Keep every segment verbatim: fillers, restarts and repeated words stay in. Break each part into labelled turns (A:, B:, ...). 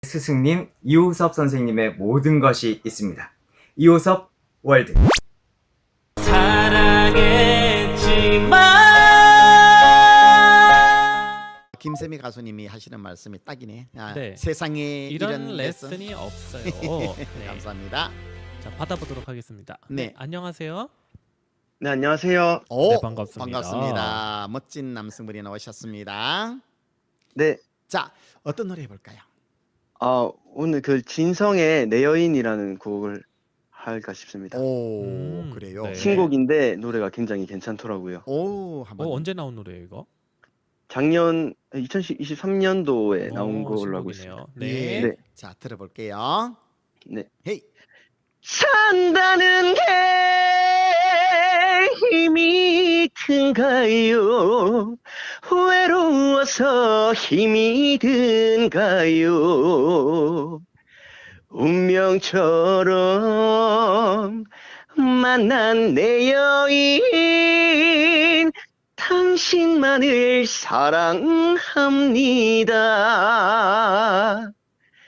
A: 스승님 이호섭 선생님의 모든 것이 있습니다. 이호섭 월드. 사랑했지만
B: 김세미 가수님이 하시는 말씀이 딱이네. 아,
C: 네.
B: 세상에
C: 이런,
B: 이런
C: 레슨이 없어요.
B: 네.
C: 네.
B: 감사합니다.
C: 자, 받아보도록 하겠습니다.
B: 네.
C: 네, 안녕하세요.
D: 네, 안녕하세요.
B: 오,
C: 네, 반갑습니다.
B: 반갑습니다. 멋진 남성분이 나오셨습니다.
D: 네,
B: 자, 어떤 노래 해볼까요?
D: 아, 오늘 그 진성의 내 여인이라는 곡을 할까 싶습니다.
B: 오,
C: 음,
B: 그래요.
C: 네.
D: 신곡인데 노래가 굉장히 괜찮더라고요.
B: 오, 한번.
C: 어, 언제 나온 노래예요, 이거?
D: 작년 이천이십삼 년도에 나온
C: 어,
D: 걸로 알고
C: 신곡이네요.
D: 있습니다.
C: 네.
B: 예.
D: 네.
B: 자, 들어볼게요.
D: 네.
B: 헤이.
D: 산다는 게 힘이 든가요? 외로워서 힘이 든가요? 운명처럼 만난 내 여인, 당신만을 사랑합니다.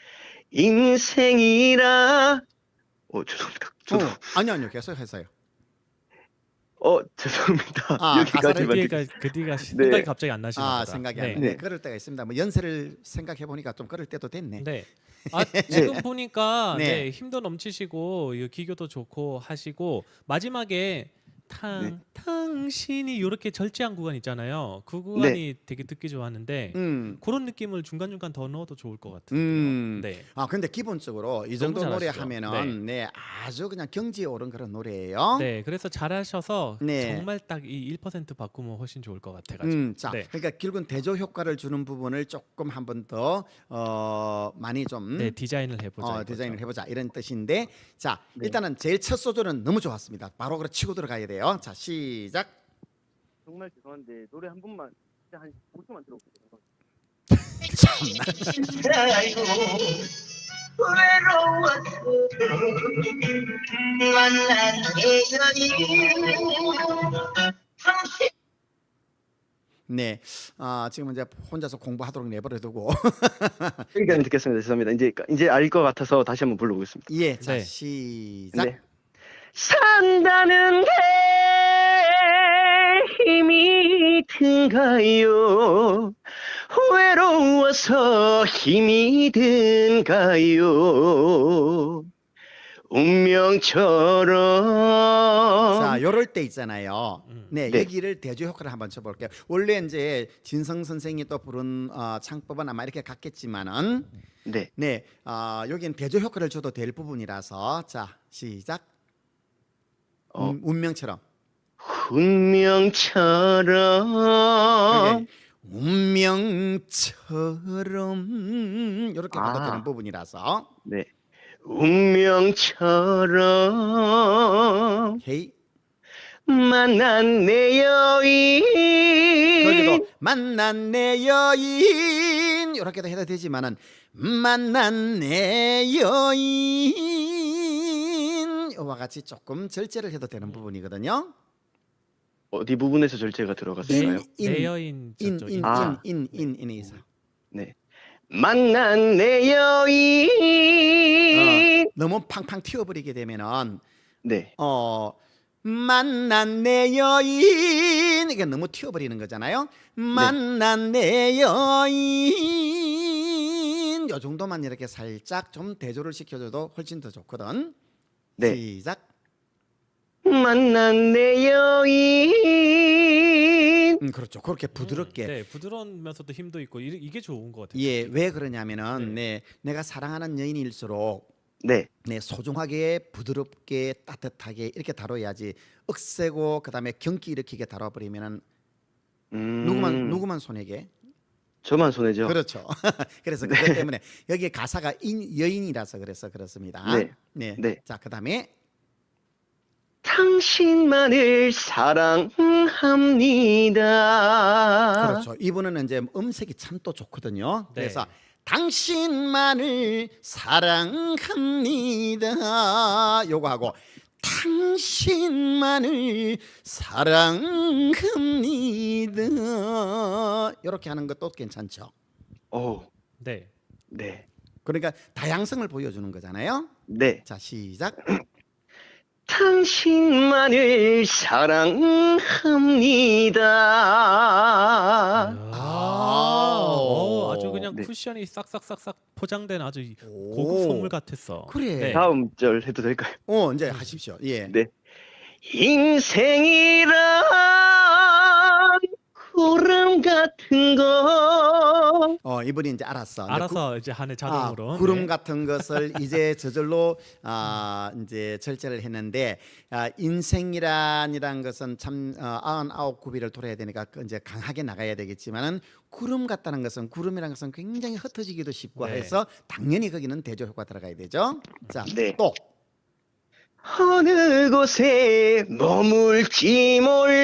D: 인생이라 어 죄송합니다. 저도
B: 어, 아니요, 아니요. 계속 하세요.
D: 어 죄송합니다.
B: 아,
C: 그
D: 여기까지만.
C: 뒤가 그 뒤가 생각이
D: 네.
C: 갑자기 안 나시는
B: 아,
C: 거다.
B: 생각이
C: 네.
B: 안 나네.
D: 네.
B: 그럴 때가 있습니다. 뭐 연세를 생각해 보니까 좀 그럴 때도 됐네.
C: 네. 아, 지금
D: 네.
C: 보니까
B: 네.
C: 네. 힘도 넘치시고 이 기교도 좋고 하시고 마지막에 탕
D: 네.
C: 당신이 이렇게 절제한 구간 있잖아요. 그 구간이 되게 듣기 좋았는데
B: 음.
C: 그런 느낌을 중간 중간 더 넣어도 좋을 것 같은데요.
B: 음.
C: 네.
B: 아, 근데 기본적으로 이
C: 너무
B: 정도 노래
C: 잘하시죠.
B: 하면은 네. 아주 그냥 경지에 오른 그런 노래예요.
C: 네, 그래서 잘하셔서
B: 네.
C: 정말 딱 이 일 퍼센트 바꾸면 훨씬 좋을 것 같아가지고.
B: 음, 자,
C: 네.
B: 그러니까 결국은 대조 효과를 주는 부분을 조금 한 번 더 어, 많이 좀
C: 네, 디자인을 해보자.
B: 어,
C: 이거죠.
B: 디자인을 해보자 이런 뜻인데, 자,
D: 네.
B: 일단은 제일 첫 소절은 너무 좋았습니다. 바로 그래 치고 들어가야 돼요. 자, 시작.
D: 정말 죄송한데 노래 한 번만 진짜 한 오 초만 들어볼게요.
B: 네, 아, 지금 이제 혼자서 공부하도록 내버려두고
D: 여기까지 듣겠습니다. 죄송합니다. 이제 이제 알 것 같아서 다시 한번 불러보겠습니다.
B: 예, 자,
C: 네.
B: 시작.
D: 네. 산다는 게 힘이 든가요? 외로워서 힘이 든가요? 운명처럼.
B: 자, 요럴 때 있잖아요.
C: 음.
B: 네,
D: 네.
B: 여기를 대조 효과를 한번 쳐볼게요. 원래 이제 진성 선생이 또 부른 어, 창법은 아마 이렇게 같겠지만은,
D: 네.
B: 네, 어, 여기는 대조 효과를 줘도 될 부분이라서, 자, 시작.
D: 어.
B: 음, 운명처럼.
D: 운명처럼.
B: 그게 운명처럼 이렇게 가도
D: 아.
B: 되는 부분이라서.
D: 네. 운명처럼
B: 헤이.
D: 만난 내 여인.
B: 거기도 만난 내 여인 이렇게도 해도 되지만은 만난 내 여인 이와 같이 조금 절제를 해도 되는 부분이거든요.
D: 어디 부분에서 절제가 들어갔을까요?
B: 인,
C: 내 여인 저쪽
B: 인인인인인인에서
D: 아.
B: 인, 인, 인, 인에서.
D: 네. 만난 내 여인.
B: 어, 너무 팡팡 튀어버리게 되면은
D: 네.
B: 어 만난 내 여인 이게 너무 튀어버리는 거잖아요. 만난 내 여인 요 정도만 이렇게 살짝 좀 대조를 시켜줘도 훨씬 더 좋거든.
D: 네.
B: 시작.
D: 만난 내 여인.
B: 음, 그렇죠. 그렇게 부드럽게.
C: 음, 네, 부드러우면서도 힘도 있고 이, 이게 좋은 것 같아요.
B: 예, 왜 그러냐면은 네. 내가 사랑하는 여인일수록
D: 네.
B: 네, 소중하게 부드럽게 따뜻하게 이렇게 다뤄야지 억세고 그다음에 경기 일으키게 다뤄버리면은
D: 음.
B: 누구만 누구만 손해게.
D: 저만 손해죠.
B: 그렇죠. 그래서 그것
D: 네.
B: 때문에 여기 가사가 인, 여인이라서 그래서 그렇습니다.
D: 네.
B: 네.
D: 네.
B: 자, 그다음에
D: 당신만을 사랑합니다.
B: 그렇죠. 이분은 이제 음색이 참 또 좋거든요.
C: 네.
B: 그래서 당신만을 사랑합니다. 요거 하고 당신만을 사랑합니다. 이렇게 하는 것도 괜찮죠.
D: 오.
C: 네.
D: 네.
B: 그러니까 다양성을 보여주는 거잖아요.
D: 네.
B: 자, 시작.
D: 당신만을 사랑합니다.
C: 아, 어, 아주 그냥
D: 네.
C: 쿠션이 싹싹싹싹 포장된 아주
B: 오.
C: 고급 선물 같았어.
B: 그래.
C: 네.
D: 다음 절 해도 될까요?
B: 어, 이제 하십시오. 예.
D: 네. 인생이란 구름 같은 거.
B: 어, 이분이 이제 알았어. 이제
C: 알아서 이제 하는
B: 아,
C: 자동으로.
B: 구름
C: 네.
B: 같은 것을 이제 저절로 아, 이제 절제를 했는데 아, 인생이란이란 것은 참 어, 아흔아홉 구비를 돌아야 되니까 그 이제 강하게 나가야 되겠지만은 구름 같다는 것은 구름이란 것은 굉장히 흩어지기도 쉽고
C: 네.
B: 해서 당연히 거기는 대조 효과 들어가야 되죠. 자,
D: 네.
B: 또
D: 어느 곳에 머물지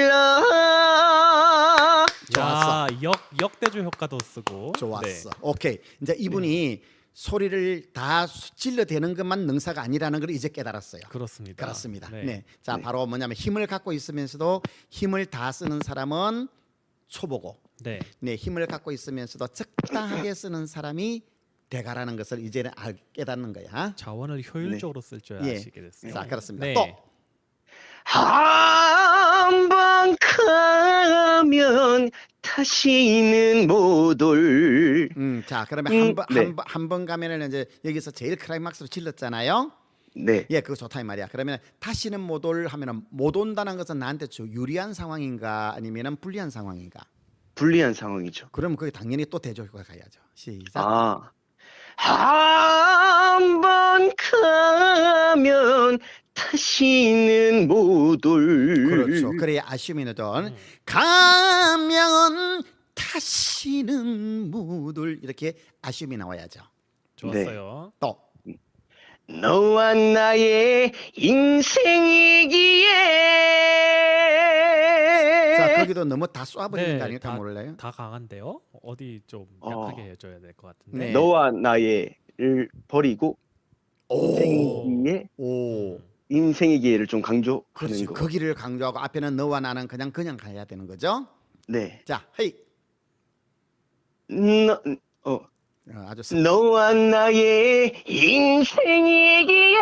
D: 몰라.
B: 좋았어.
C: 야, 역 역대조 효과도 쓰고.
B: 좋았어.
C: 네.
B: 오케이. 이제 이분이 소리를 다 수- 질러대는 것만 능사가 아니라는 걸 이제 깨달았어요.
C: 그렇습니다.
B: 그렇습니다. 네.
C: 네.
B: 자,
D: 네.
B: 바로 뭐냐면 힘을 갖고 있으면서도 힘을 다 쓰는 사람은 초보고,
C: 네.
B: 네, 힘을 갖고 있으면서도 적당하게 쓰는 사람이 대가라는 것을 이제는 알, 깨닫는 거야.
C: 자원을 효율적으로 쓸 줄
B: 예.
C: 아시게 됐어요.
B: 자, 그렇습니다.
C: 네.
B: 또
D: 한 번 가면 다시는 못 올.
B: 음, 자, 그러면
D: 음,
B: 한번
D: 네.
B: 한 번 한 번 가면은 이제 여기서 제일 클라이막스로 질렀잖아요.
D: 네.
B: 예, 그거 좋다 이 말이야. 그러면 다시는 못 올 하면은 못 온다는 것은 나한테 좀 유리한 상황인가 아니면은 불리한 상황인가?
D: 불리한 상황이죠.
B: 그러면 그게 당연히 또 대조 효과 가야죠. 시작.
D: 아. 한 번 가면 다시는 못 올.
B: 그렇죠. 그래야 아쉬움이 너던
C: 음.
B: 가면 다시는 못 올 이렇게 아쉬움이 나와야죠.
C: 좋았어요.
B: 또
D: 너와 나의 인생이기에.
B: 자, 거기도 너무 다 쏴버리는
C: 네,
B: 거 아닐까
C: 다-
B: 몰라요?
C: 다 강한데요. 어디 좀
D: 어.
C: 약하게 해줘야 될 것 같은데.
B: 네.
D: 너와 나의를 버리고 인생이기에
B: 오.
C: 음.
D: 인생이기에를 좀 강조하는
B: 그렇지.
D: 거.
B: 거기를 강조하고 앞에는 너와 나는 그냥 그냥 가야 되는 거죠.
D: 네.
B: 자, 헤이.
D: 너, 어,
B: 어, 아주 스-
D: 너와 나의 인생이기에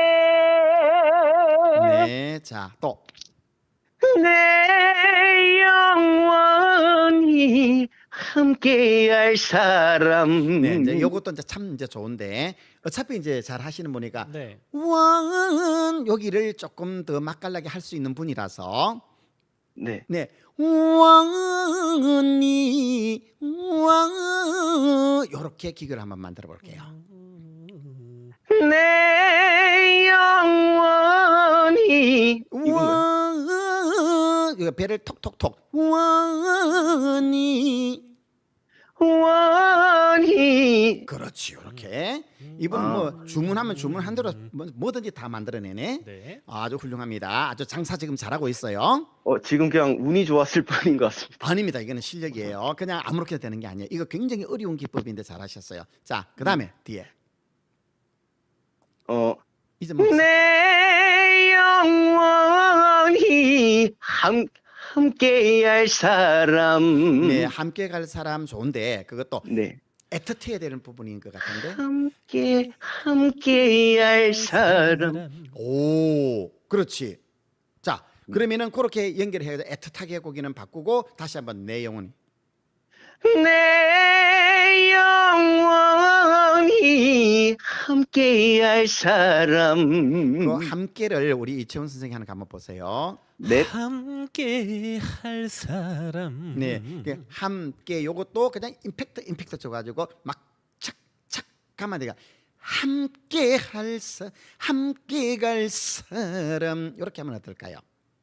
B: 네. 자, 또
D: 내 영원히 함께할 사람.
B: 네, 이제 요것도 이제 참 이제 좋은데 어차피 이제 잘 하시는 분이니까
C: 네.
B: 왕 여기를 조금 더 맛깔나게 할 수 있는 분이라서
D: 네.
B: 네 왕이 왕 요렇게 기교를 한번 만들어 볼게요.
D: 내 영원히 이건가요?
B: 왕 이거 배를 톡톡톡 왕이
D: 원히.
B: 그렇지 요렇게
C: 음.
B: 이분은
D: 아.
B: 뭐 주문하면 주문한 대로 뭐- 뭐든지 다 만들어내네.
C: 네.
B: 아주 훌륭합니다. 아주 장사 지금 잘하고 있어요.
D: 어, 지금 그냥 운이 좋았을 뿐인 것 같습니다.
B: 아닙니다. 이거는 실력이에요. 그냥 아무렇게나 되는 게 아니에요. 이거 굉장히 어려운 기법인데 잘하셨어요. 자, 그다음에 뒤에
D: 어,
B: 이제 뭐
D: 내 영원히 함 함께할 사람.
B: 네, 함께 갈 사람 좋은데 그것도
D: 네.
B: 애틋해야 되는 부분인 것 같은데.
D: 함께 함께할 사람.
B: 오, 그렇지. 자, 그러면은 그렇게 연결해서 애틋하게 거기는 바꾸고 다시 한번 내 영혼이.
D: 내 영원히 함께할 사람.
B: 그 함께를 우리 이채원 선생이 하는 거 한번 보세요.
D: 네.
C: 함께 할 사람.
B: 네, 그 함께 요것도 그냥 임팩트 임팩트 줘가지고 막 착착 가만 내가 함께 할 사, 함께 갈 사람 이렇게 하면 어떨까요?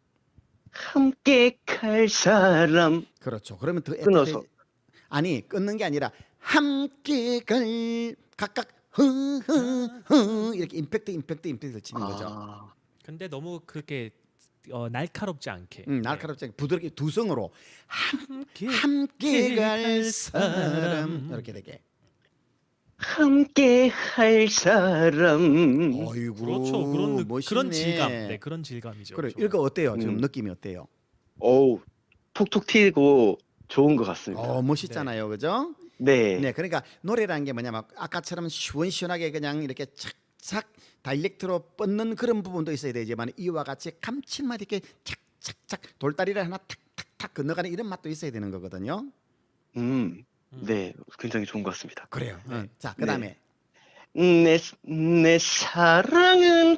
D: 함께 갈 사람.
B: 그렇죠. 그러면 더
D: 끊어서.
B: 애틋해- 아니 끊는 게 아니라 함께 갈 각각 흐흐흐 이렇게 임팩트 임팩트 임팩트를 치는 거죠.
D: 아,
C: 근데 너무 그렇게 어, 날카롭지 않게.
B: 음, 날카롭지 않게 부드럽게 두 성으로
C: 함께
B: 함께 갈
C: 갈
B: 사람
C: 사람.
B: 이렇게 되게.
D: 함께 할 사람.
B: 어이구
C: 그렇죠. 그런 느-
B: 멋있네.
C: 그런 질감. 네, 그런 질감이죠.
B: 그래
C: 좋아요.
B: 이거 어때요? 지금
D: 음.
B: 느낌이 어때요?
D: 어우, 톡톡 튀고 좋은 것 같습니다.
B: 어 멋있잖아요, 그죠?
D: 네.
B: 네, 그러니까 노래라는 게 뭐냐면 아까처럼 시원시원하게 그냥 이렇게 착착 다이렉트로 뻗는 그런 부분도 있어야 되지만 이와 같이 감칠맛 있게 착착착 돌다리를 하나 탁탁탁 건너가는 이런 맛도 있어야 되는 거거든요.
D: 음.
C: 음.
D: 네. 굉장히 좋은 것 같습니다.
B: 그래요.
C: 네.
B: 어, 자, 그다음에
D: 내, 내 사랑은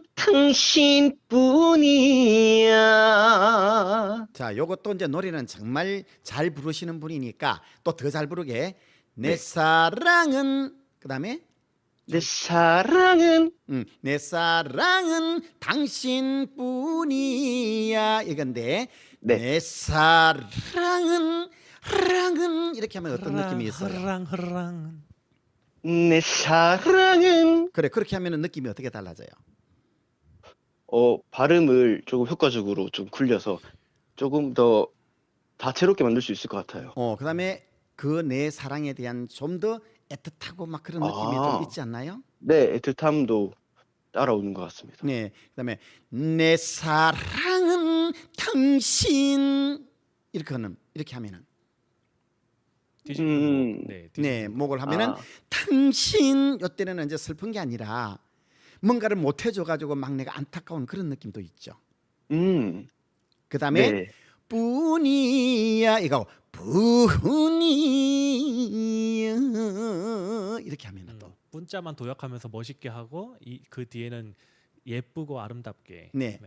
D: 당신뿐이야.
B: 자, 요것도 이제 노래는 정말 잘 부르시는 분이니까 또 더 잘 부르게 내
D: 네.
B: 사랑은 그다음에
D: 내 사랑은
B: 음, 내 사랑은 당신뿐이야 이건데
D: 네.
B: 내 사랑은 랑은 이렇게 하면 어떤 느낌이 있어요?
C: 흐랑 흐랑.
D: 내 사랑은
B: 그래 그렇게 하면 느낌이 어떻게 달라져요?
D: 어 발음을 조금 효과적으로 좀 굴려서 조금 더 다채롭게 만들 수 있을 것 같아요.
B: 어 그다음에 그 내 사랑에 대한 좀 더 애틋하고 막 그런 느낌이
D: 아.
B: 좀 있지 않나요?
D: 네, 애틋함도 따라오는 것 같습니다.
B: 네 그다음에 내 사랑은 당신 이렇게 하는 이렇게 하면은
C: 뒤집는
D: 음.
C: 목. 네.
B: 네
C: 뒤집는
B: 목을 하면은
D: 아,
B: 당신 요때는 이제 슬픈 게 아니라 뭔가를 못 해줘 가지고 막 내가 안타까운 그런 느낌도 있죠.
D: 음,
B: 그다음에
D: 네,
B: 뿐이야 이거 뿐이야 이렇게 하면
C: 음,
B: 또
C: 문자만 도약하면서 멋있게 하고 이 그 뒤에는 예쁘고 아름답게.
B: 네.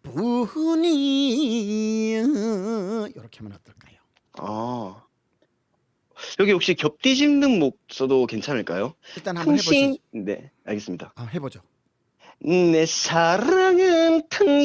B: 뿐이야 이렇게 하면 어떨까요?
D: 아, 여기 혹시 겹 뒤집는 목 써도 괜찮을까요?
B: 일단 한번
D: 당신,
B: 해보시죠.
D: 네, 알겠습니다.
B: 아, 해보죠.
D: 내 사랑은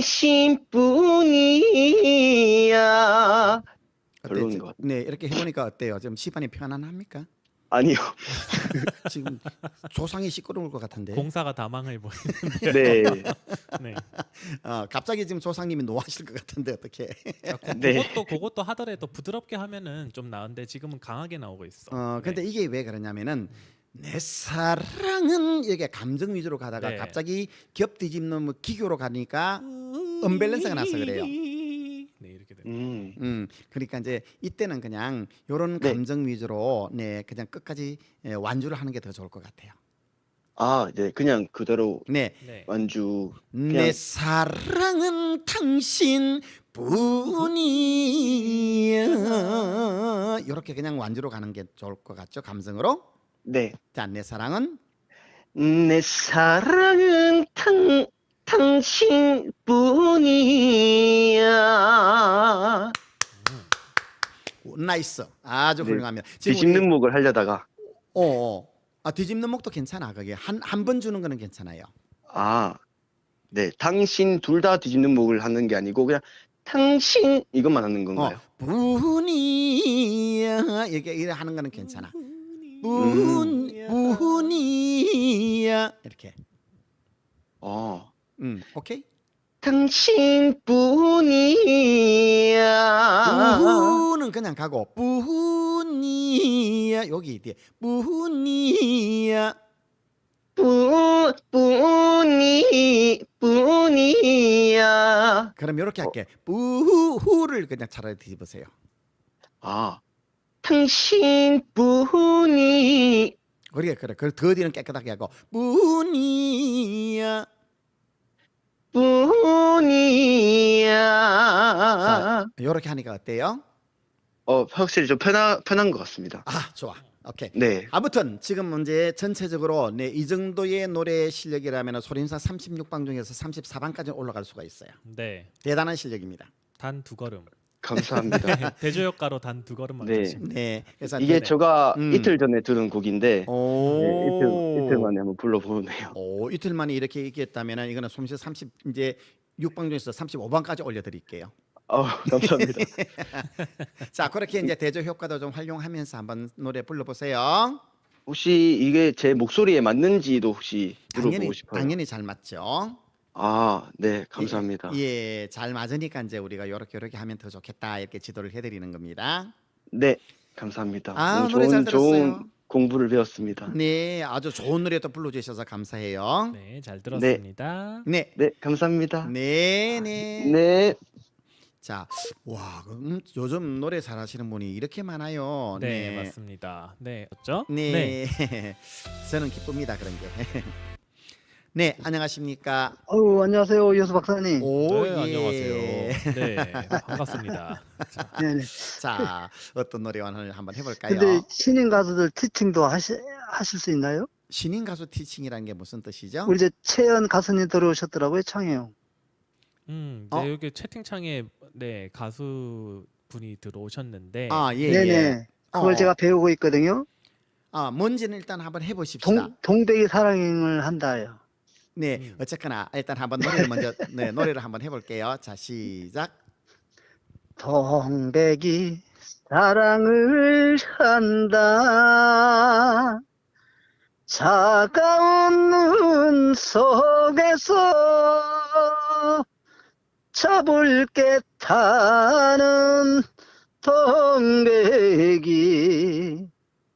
D: 당신뿐이야. 별로인
B: 어때요?
D: 것 같아요.
B: 네 이렇게 해보니까 어때요? 좀 시반이 편안합니까?
D: 아니요.
B: 지금 조상이 시끄러울 것 같은데.
C: 공사가 다망을 보이.
D: 네,
C: 네.
B: 어, 갑자기 지금 조상님이 노하실 것 같은데 어떻게?
C: 아, 그,
D: 네.
C: 그것도 그것도 하더라도 부드럽게 하면은 좀 나은데 지금은 강하게 나오고 있어.
B: 어, 근데
C: 네.
B: 이게 왜 그러냐면은 내 사랑은 이게 감정 위주로 가다가
C: 네.
B: 갑자기 겹 뒤집는 뭐 기교로 가니까 언밸런스가 나서 그래요.
C: 네 이렇게 됩니다.
D: 음,
B: 음, 그러니까 이제 이때는 그냥 요런
D: 네.
B: 감정 위주로 네 그냥 끝까지 예, 완주를 하는 게 더 좋을 것 같아요.
D: 아, 네, 그냥 그대로
B: 네,
C: 네.
D: 완주.
B: 내 사랑은 당신 뿐이야. 이렇게 그냥 완주로 가는 게 좋을 것 같죠? 감성으로.
D: 네,
B: 자, 내 사랑은
D: 내 사랑은 당, 당신뿐이야.
B: 나이스. 아주
D: 네.
B: 훌륭합니다. 지금
D: 뒤집는
B: 우리,
D: 목을 하려다가
B: 어, 어. 아, 뒤집는 목도 괜찮아. 그게 한 한 번 주는 거는 괜찮아요.
D: 아, 네, 당신 둘 다 뒤집는 목을 하는 게 아니고 그냥 당신 이것만 하는 건가요?
B: 어, 뿐이야. 이렇게 이렇게 하는 거는 괜찮아. 뿐, 뿐이야. 이렇게.
D: 어,
B: 음, 오케이.
D: 당신뿐이야.
B: 뿌는 그냥 가고 뿐이야 여기 뒤에 뿐이야
D: 뿐, 뿐이, 뿐이야.
B: 그럼 이렇게 할게 뿌후를 그냥 차라리 뒤집으세요.
D: 아, 당신뿐이,
B: 그래 그래 그 더 뒤는 깨끗하게 하고 뿐이야.
D: 뿐이야.
B: 자 이렇게 하니까 어때요?
D: 어, 확실히 좀 편한, 편한 것 같습니다.
B: 아 좋아 오케이.
D: 네.
B: 아무튼 지금 문제 전체적으로 네, 이 정도의 노래 실력이라면 소림사 삼십육 방 중에서 삼십사 방까지 올라갈 수가 있어요.
C: 네.
B: 대단한 실력입니다.
C: 단 두 걸음.
D: 감사합니다.
C: 대조효과로 단 두 걸음만
D: 네.
C: 가시면 돼요.
B: 네 그래서
D: 이게
B: 네.
D: 제가
B: 음.
D: 이틀 전에 들은 곡인데,
B: 오
D: 네, 이틀, 이틀 만에 한번 불러보네요.
B: 오, 이틀 만에 이렇게 얘기했다면 이거는 솜씨 삼십 이제 육 방 중에서 삼십오 방까지 올려드릴게요.
D: 어, 감사합니다.
B: 자 그렇게 이제 대조 효과도 좀 활용하면서 한번 노래 불러보세요.
D: 혹시 이게 제 목소리에 맞는지도 혹시
B: 당연히
D: 물어보고 싶어요.
B: 당연히 잘 맞죠.
D: 아, 네, 감사합니다.
B: 예, 잘 맞으니까 이제 우리가 요렇게 요렇게 하면 더 좋겠다 이렇게 지도를 해드리는 겁니다.
D: 네, 감사합니다.
B: 아,
D: 오늘
B: 노래 잘
D: 좋은, 좋은
B: 들었어요.
D: 공부를 배웠습니다.
B: 네, 아주 좋은 노래 또 불러주셔서 감사해요.
C: 네, 잘 들었습니다.
B: 네,
D: 네, 감사합니다.
B: 네, 네.
D: 네.
B: 자, 와, 음, 요즘 노래 잘하시는 분이 이렇게 많아요.
C: 네, 맞습니다. 네, 맞죠?
B: 네. 저는 기쁩니다 그런 게. 네, 안녕하십니까?
E: 어우, 안녕하세요, 이호수 박사님.
B: 오,
C: 네,
B: 예.
C: 안녕하세요. 네, 반갑습니다. 자,
E: 네네.
B: 자, 어떤 노래 오늘 한번 해볼까요?
E: 근데 신인 가수들 티칭도 하시, 하실 수 있나요?
B: 신인 가수 티칭이라는 게 무슨 뜻이죠?
E: 우리 이제 채연 가수님 들어오셨더라고요, 창해요.
C: 음,
B: 어?
C: 네, 여기 채팅창에 네 가수 분이 들어오셨는데,
B: 아, 예,
E: 네네.
B: 예.
E: 그걸
B: 어.
E: 제가 배우고 있거든요.
B: 아, 뭔지는 일단 한번 해보십시다.
E: 동, 동백이 사랑을 한다요.
B: 네,
C: 음.
B: 어쨌거나 일단 한번 노래를 먼저 네, 노래를 한번 해볼게요. 자, 시작.
E: 동백이 사랑을 한다. 차가운 눈 속에서 잡을게 타는 동백이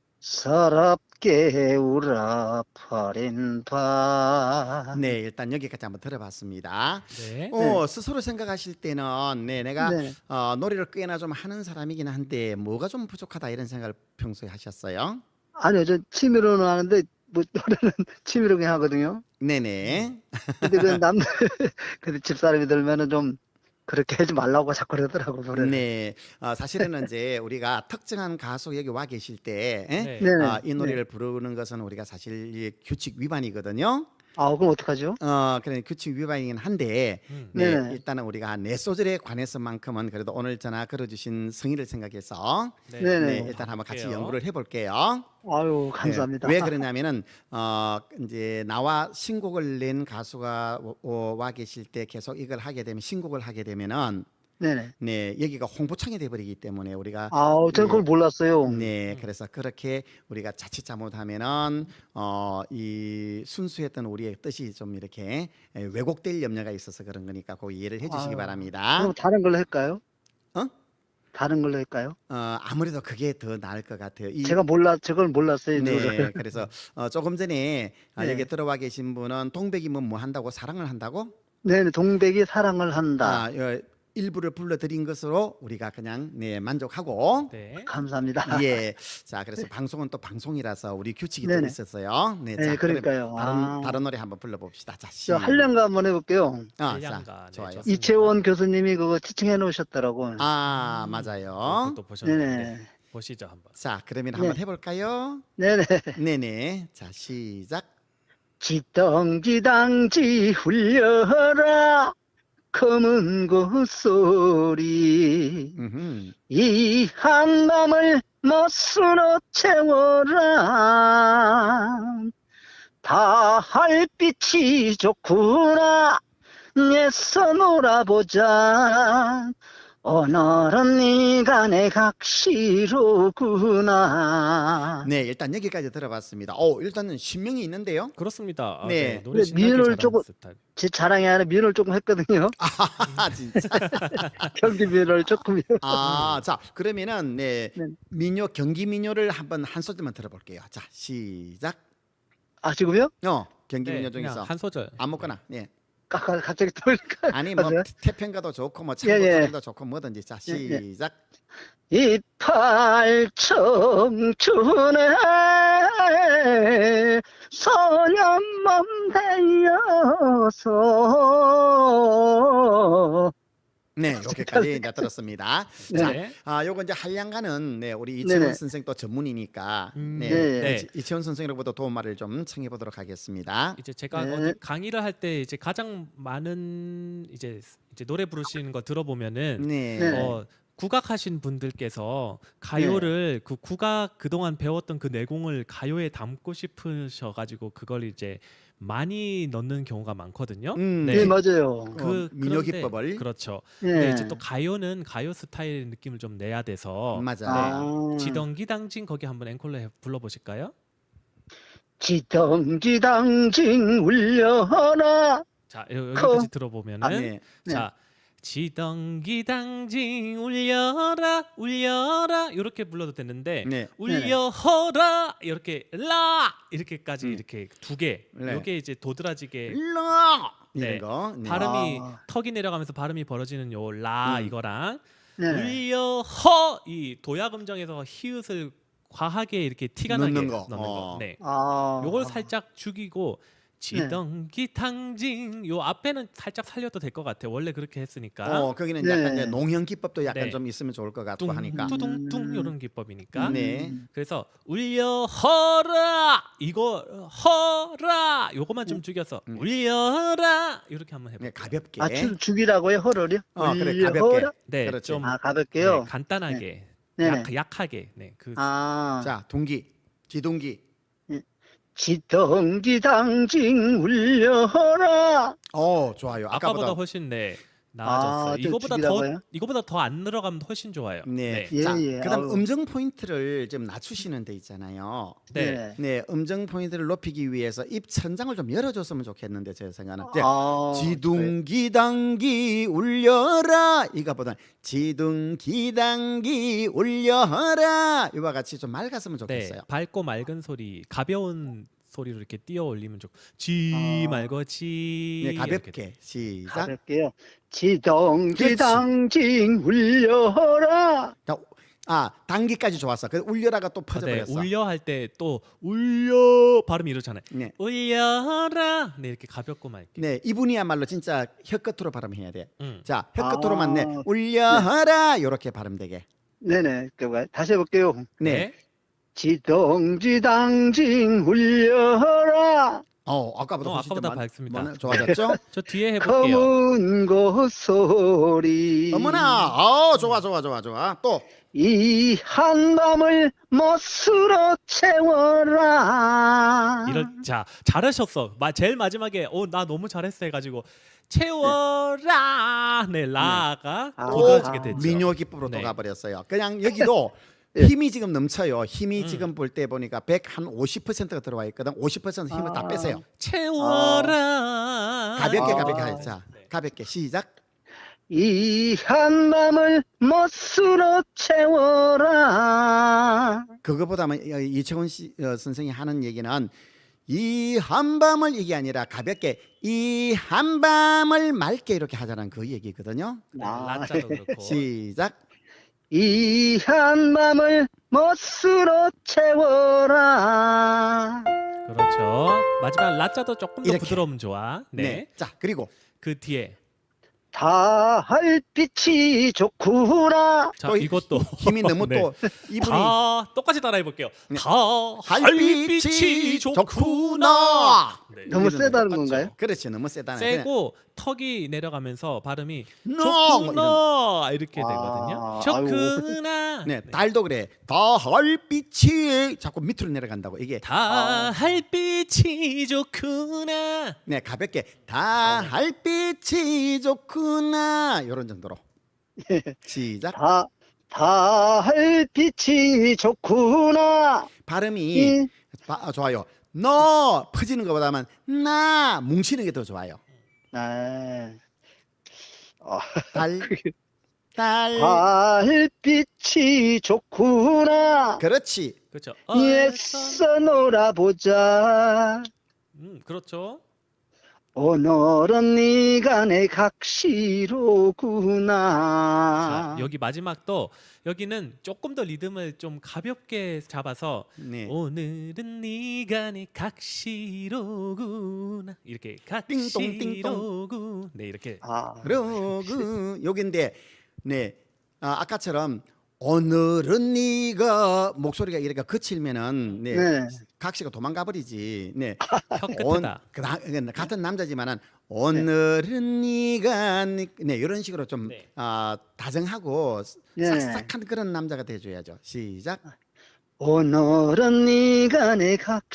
E: 서럽게 울어버린 밤.
B: 네, 일단 여기까지 한번 들어봤습니다.
C: 네,
B: 어, 스스로 생각하실 때는 네, 내가
E: 네.
B: 어, 노래를 꽤나 좀 하는 사람이긴 한데 뭐가 좀 부족하다 이런 생각을 평소에 하셨어요?
E: 아니요, 저 취미로는 하는데 뭐 노래는 취미로 그냥 하거든요.
B: 네네.
E: 근데 그 남들 근데 집사람이 들면은 좀 그렇게 하지 말라고 자꾸 그러더라고 노래를.
B: 네, 어, 사실은 이제 우리가 특정한 가수 여기 와 계실 때 에?
C: 네.
E: 네네.
B: 아, 이 노래를 부르는 것은 우리가 사실 이 규칙 위반이거든요.
E: 아, 그럼 어떡하죠?
B: 어, 그래 규칙 위반이긴 한데
C: 음.
B: 네,
E: 네네.
B: 일단은 우리가 내 소절에 관해서만큼은 그래도 오늘 전화 걸어주신 성의를 생각해서
C: 네,
E: 네네.
B: 네, 일단 한번 같이
C: 볼게요.
B: 연구를 해볼게요.
E: 아유, 감사합니다.
B: 네, 왜 그러냐면은 어 이제 나와 신곡을 낸 가수가 오- 오- 와 계실 때 계속 이걸 하게 되면 신곡을 하게 되면은
E: 네네.
B: 네 여기가 홍보창이 돼버리기 때문에 우리가
E: 아우, 저는 그걸 몰랐어요.
B: 네 그래서 그렇게 우리가 자칫 잘못하면은 어 이 순수했던 우리의 뜻이 좀 이렇게 에, 왜곡될 염려가 있어서 그런 거니까 꼭 이해를 해주시기
E: 아유,
B: 바랍니다.
E: 그럼 다른 걸로 할까요?
B: 어?
E: 다른 걸로 할까요?
B: 어 아무래도 그게 더 나을 것 같아요. 이
E: 제가 몰라, 저걸 몰랐어요.
B: 네,
E: 저를.
B: 그래서 어, 조금 전에 아,
E: 네.
B: 여기 들어와 계신 분은 동백이면 뭐 한다고 사랑을 한다고?
E: 네네, 동백이 사랑을 한다.
B: 아, 어, 일부를 불러드린 것으로 우리가 그냥 네 만족하고
C: 네.
E: 감사합니다.
B: 예, 자 그래서 방송은 또 방송이라서 우리 규칙이 또
E: 네네.
B: 있었어요. 네,
E: 네,
B: 자 그럼
E: 그러니까요.
B: 다른
E: 아.
B: 다른 노래 한번 불러봅시다. 자, 시.
E: 저 한량가 한번 해볼게요.
B: 아,
C: 한량가,
B: 자,
C: 네,
B: 좋아요.
C: 좋습니다.
E: 이채원 교수님이 그거 티칭해 놓으셨더라고.
B: 아,
C: 음,
B: 맞아요.
C: 또 보셨는데
E: 네네.
C: 보시죠 한번.
B: 자, 그러면
E: 네.
B: 한번 해볼까요?
E: 네네.
B: 네네. 자, 시작.
E: 지덩지당지 울려라 검은 고소리
B: 음흠.
E: 이 한밤을 멋으로 채워라 다 할빛이 좋구나 애써 놀아보자 오늘은 네가 내 각시로구나.
B: 네, 일단 여기까지 들어봤습니다. 어, 일단은 신명이 있는데요.
C: 그렇습니다. 아,
B: 네.
C: 네. 노래
E: 근데
C: 신나게
E: 민요를
C: 잘하는
E: 조금-
C: 스타일.
E: 제 자랑이 아니라 민요를 조금 했거든요.
B: 아, 진짜.
E: 경기 민요를 조금요.
B: 아, 자, 그러면은 네,
E: 네.
B: 민요 경기 민요를 한번 한 소절만 들어볼게요. 자, 시작.
E: 아, 지금요?
B: 어, 경기
C: 네,
B: 민요
C: 그냥
B: 중에서
C: 한 소절.
B: 아무거나. 네.
E: 까- 까- 갑자기 떠올까?
B: 아니 뭐
E: 맞아요?
B: 태평가도 좋고 뭐
E: 예, 예.
B: 창고도 좋고 뭐든지. 자,
E: 예, 예.
B: 시작.
E: 이팔 청춘의 소년 몸 달려서
B: 네, 여기까지 이제 들었습니다.
E: 네.
B: 자,
C: 네.
B: 아, 요거 이제 한량가는 네, 우리 이채원
E: 네네.
B: 선생 또 전문이니까
C: 음,
B: 네,
E: 네.
B: 이- 이채원 선생으로부터 도움말을 좀 청해 보도록 하겠습니다.
C: 이제 제가
E: 네.
C: 어디 강의를 할 때 이제 가장 많은 이제 이제 노래 부르시는 거 들어보면은
B: 네.
E: 네.
C: 어, 국악하신 분들께서 가요를 그 국악 그동안 배웠던 그 내공을 가요에 담고 싶으셔 가지고 그걸 이제 많이 넣는 경우가 많거든요.
B: 음,
E: 네,
C: 네.
E: 맞아요.
B: 어,
C: 그
B: 민요
C: 그런데-
B: 기법을.
C: 그렇죠.
E: 예.
C: 근데 이제 또 가요는 가요 스타일 느낌을 좀 내야 돼서
B: 맞아요.
E: 아,
C: 지덩기당진 거기 한번 앵콜로 해- 불러보실까요?
E: 지덩지당징 울려라.
C: 자 여- 여기까지 들어보면은
B: 네.
E: 네.
C: 자 지덩기당징 울려라 울려라 이렇게 불러도 되는데
B: 네.
C: 울려허라 이렇게 라 이렇게까지
B: 음.
C: 이렇게 두 개.
B: 네.
C: 이게 이제 도드라지게
B: 일러 이런
C: 네.
B: 거. 네.
C: 발음이
E: 아.
C: 턱이 내려가면서 발음이 벌어지는 요 라
B: 음.
C: 이거랑
E: 네.
C: 울려허 이 도약 음정에서 히읗을 과하게 이렇게 티가 나게
B: 넣는 거.
C: 넣는 거.
B: 어.
C: 네.
E: 아.
C: 요걸 살짝 죽이고 지덩기당징 요 앞에는 살짝 살려도 될 것 같아요. 원래 그렇게 했으니까.
B: 어, 거기는
E: 네.
B: 약간 이제 농형 기법도 약간
C: 네.
B: 좀 있으면 좋을 것 같고
C: 뚱
B: 하니까.
C: 뚜둥뚱
E: 음.
C: 이런 기법이니까.
B: 네.
C: 그래서 울려허라 이거 허라 요거만 좀 죽여서
B: 음.
C: 울려라 이렇게 한번 해볼게요.
B: 네, 가볍게.
E: 아, 죽, 죽이라고요? 허를요?
B: 어, 그래,
E: 울려-
B: 가볍게.
E: 허라?
C: 네,
B: 그렇지.
C: 좀
E: 아,
C: 네,
E: 가볍게요?
C: 간단하게
E: 네네.
C: 약, 약하게 네, 그
E: 아.
B: 자, 동기. 지동기.
E: 지덩지당징 울려라.
B: 어, 좋아요.
C: 아까보다
B: 아까보다.
C: 훨씬 네 나아졌어요.
E: 아, 저
C: 이거보다 더
E: 죽이라고요?
C: 이거보다 더 안 늘어가면 훨씬 좋아요.
B: 네.
E: 예,
B: 자,
E: 예.
B: 그다음
E: 아우.
B: 음정 포인트를 좀 낮추시는 데 있잖아요.
C: 네.
B: 네, 음정 포인트를 높이기 위해서 입 천장을 좀 열어줬으면 좋겠는데 제 생각은. 이제
E: 아,
B: 지둥기당기 울려라 이거보다 지둥기당기 울려라 이와 같이 좀 맑았으면
C: 네,
B: 좋겠어요.
C: 밝고 맑은 소리, 가벼운 소리로 이렇게 띄어 올리면 좋고 지
E: 아.
C: 말고 지
B: 네,
C: 이렇게.
B: 가볍게 시작.
E: 가볍게요. 지덩지당징 울려라.
B: 자, 아, 단기까지 좋았어. 그 울려라가 또
C: 아, 네,
B: 퍼져버렸어.
C: 울려 할 때 또 울려 발음이 이렇잖아요.
B: 네,
C: 울려라 네 이렇게 가볍고 맑게.
B: 네, 이분이야말로 진짜 혀 끝으로 발음해야 돼.
C: 음.
B: 자, 혀 끝으로만 내
E: 아,
B: 울려라 이렇게 발음되게.
E: 네네. 그거 다시 해볼게요.
B: 네.
E: 지덩지당징 울려라.
B: 어, 아까보다
C: 어,
B: 훨씬
C: 아까보다
B: 좀 많-
C: 밝습니다.
B: 많아- 좋아졌죠?
C: 저 뒤에 해볼게요.
E: 검은 고소리.
B: 어머나, 어, 좋아, 좋아, 좋아, 좋아. 또
E: 이 한밤을 멋으로 채워라.
C: 이런 자 잘하셨어. 마, 제일 마지막에 어 나 너무 잘했어 해가지고 채워라 네 라가
E: 아.
C: 도드라지게
E: 아.
C: 됐죠.
B: 민요 기법으로
C: 네.
B: 또 가버렸어요. 그냥 여기도
E: 예.
B: 힘이 지금 넘쳐요. 힘이
C: 음.
B: 지금 볼 때 보니까 백오십 퍼센트가 들어와 있거든. 오십 퍼센트 힘을 다
E: 아.
B: 빼세요.
C: 채워라
B: 가볍게
E: 아.
B: 가볍게 하자.
C: 네.
B: 가볍게 시작.
E: 이 한밤을 멋으로 채워라.
B: 그거보다는 이채원 씨 어, 선생이 하는 얘기는 이 한밤을 이게 아니라 가볍게 이 한밤을 맑게 이렇게 하자는 그 얘기거든요.
C: 네,
E: 아.
C: 라자도 그렇고
B: 시작.
E: 이 한밤을 멋으로 채워라.
C: 그렇죠. 마지막 라자도 조금 더
B: 이렇게.
C: 부드러우면 좋아. 네.
B: 네. 자, 그리고
C: 그 뒤에
E: 달빛이 좋구나.
C: 자
B: 또
C: 이것도
B: 힘이 너무
C: 네.
B: 또 이분이
C: 다 똑같이 따라해 볼게요.
B: 네.
C: 다 달빛이 좋구나. 네.
E: 너무
B: 여기는
E: 세다는
C: 똑같죠.
E: 건가요?
B: 그렇지 너무 세다네.
C: 세고 턱이 내려가면서 발음이
B: No!
C: 좋구나 이렇게
E: 아,
C: 되거든요.
E: 아이고.
C: 좋구나.
B: 네, 달도 그래. 달빛이 자꾸 밑으로 내려간다고. 이게
C: 달빛이 좋구나.
B: 네, 가볍게 달빛이 좋구나. 이런 정도로. 시작.
E: 다 달빛이 좋구나.
B: 발음이
E: 이,
B: 바, 아, 좋아요. 너 퍼지는 것보다는 나 뭉치는 게 더 좋아요.
E: 아, 어,
B: 달, 달.
E: 달빛이 좋구나.
B: 그렇지.
C: 그렇죠.
E: 애써 놀아보자.
C: 음, 그렇죠.
E: 오늘은 네가 내 각시로구나.
C: 자, 여기 마지막도 여기는 조금 더 리듬을 좀 가볍게 잡아서
B: 네.
C: 오늘은 네가 내 각시로구나 이렇게
B: 띵동,
C: 각시로구 네 이렇게
E: 아,
B: 그러고 여기인데 네. 아, 아까처럼 오늘은 네가 목소리가 이렇게 거칠면은 네.
E: 네.
B: 각시가 도망가 버리지. 네.
C: 혀
B: 온,
C: 끝에다
B: 그, 같은 남자지만은 오늘은 네가 네, 네 이런 식으로 좀
C: 네.
B: 아, 다정하고
E: 네.
B: 싹싹한 그런 남자가 돼줘야죠. 시작.
E: 오늘은 네가 내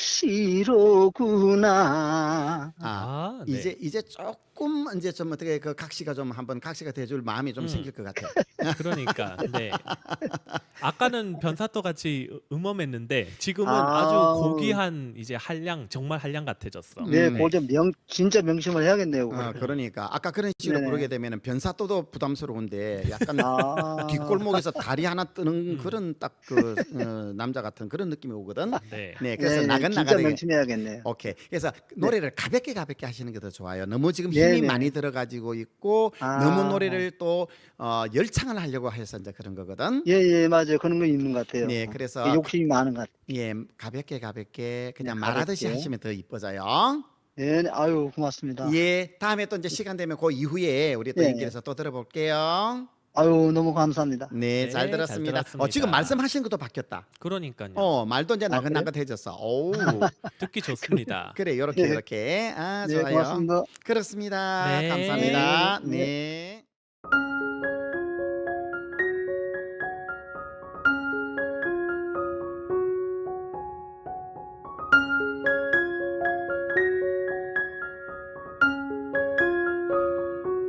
E: 각시로구나.
B: 아,
C: 아, 네.
B: 이제 이제 조금 이제 좀 어떻게 그 각시가 좀 한번 각시가 돼줄 마음이 좀
C: 음.
B: 생길 것 같아.
C: 그러니까 네. 아까는 변사또 같이 음험했는데 지금은
E: 아.
C: 아주 고귀한 이제 한량 정말 한량 같아졌어.
E: 네,
B: 음.
E: 그걸 좀 명, 진짜 명심을 해야겠네요.
B: 어,
E: 그걸.
B: 그러니까 아까 그런 식으로
E: 네네.
B: 부르게 되면은 변사또도 부담스러운데 약간
E: 아,
B: 뒷골목에서 다리 하나 뜨는
C: 음.
B: 그런 딱 그 어, 남자 같은 그런 느낌이 오거든.
C: 네.
B: 네, 그래서
E: 네, 네,
B: 나긋
E: 진짜
B: 나긋하게.
E: 명심해야겠네요.
B: 오케이. 그래서 노래를 가볍게 가볍게 하시는 게 더 좋아요. 너무 지금 힘이
E: 네네.
B: 많이 들어가지고 있고
E: 아.
B: 너무 노래를 또 어, 열창을 하려고 해서 이제 그런 거거든.
E: 예, 예, 맞아요. 그런 거 있는 것 같아요.
B: 네, 그래서
E: 예, 욕심이 많은 것 같아요.
B: 예, 가볍게 가볍게 그냥
E: 네,
B: 말하듯이
E: 가볍게.
B: 하시면 더 이뻐져요.
E: 네, 네, 아유, 고맙습니다.
B: 예, 다음에 또 이제 시간 되면 그 이후에 우리 또
E: 네.
B: 연결해서 또 들어볼게요.
E: 아유, 너무 감사합니다.
B: 네,
C: 네,
B: 잘
C: 잘
B: 들었습니다.
C: 들었습니다.
B: 어, 지금 말씀하시는 것도 바뀌었다.
C: 그러니까요.
B: 어, 말도 이제
E: 아, 그래요?
B: 나긋나긋해졌어. 오,
C: 듣기 좋습니다.
B: 그래, 요렇게
E: 네.
B: 요렇게. 아,
E: 네,
B: 좋아요.
E: 고맙습니다.
B: 그렇습니다.
C: 네.
B: 감사합니다.
E: 네.
B: 네.